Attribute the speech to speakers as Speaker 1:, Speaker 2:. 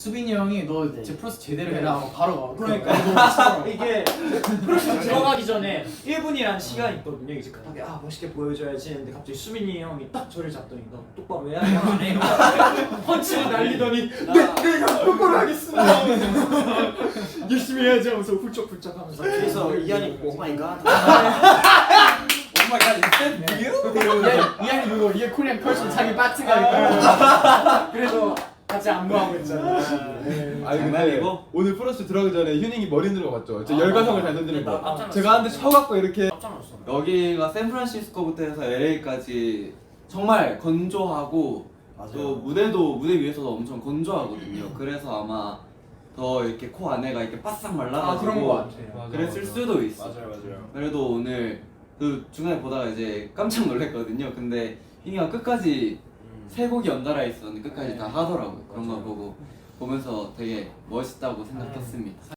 Speaker 1: 수빈이 형이 너
Speaker 2: 네.
Speaker 1: 제 프로스 제대로 해라 하고 바로 가.
Speaker 2: 그러니까 이게 프로젝트 들어가기 전에 1분이라는 시간이 있거든요. 이제 급하게 멋있게 보여줘야지 했는데 갑자기 수민이 형이 딱 저를 잡더니 너 똑바로 해야 돼. 펀치를 날리더니 네, 똑바로 하겠습니다. 열심히 해야지 하면서 훌쩍훌쩍 하면서
Speaker 3: 그래서 이한이 오마이갓
Speaker 1: 오마이갓 이한이 그거 이게 코리안 펄슨 자기 파트가 있고 그래서 같이 안무하고 있잖아.
Speaker 4: 아니
Speaker 3: 장난이고?
Speaker 4: 오늘 프로스 들어가기 전에 휴닝이 머리 흔드는 거 봤죠? 저 열과성을 잘 던지는 거.
Speaker 2: 깜짝 놀랐어.
Speaker 4: 제가 한대 쳐갖고 이렇게
Speaker 2: 깜짝 놀랐어.
Speaker 3: 여기가 샌프란시스코부터 해서 LA까지 정말 건조하고 또 무대 위에서도 엄청 건조하거든요. 그래서 아마 더 이렇게 코 안에가 이렇게 바싹 말라가지고
Speaker 1: 그런 거 같아요.
Speaker 3: 그랬을 수도 있어.
Speaker 4: 맞아요.
Speaker 3: 그래도 오늘 그 중간에 보다가 이제 깜짝 놀랐거든요. 근데 희이가 끝까지 세 곡이 연달아 있었는데 끝까지 다 하더라고요. 그런 거 보면서 되게 멋있다고 생각했습니다.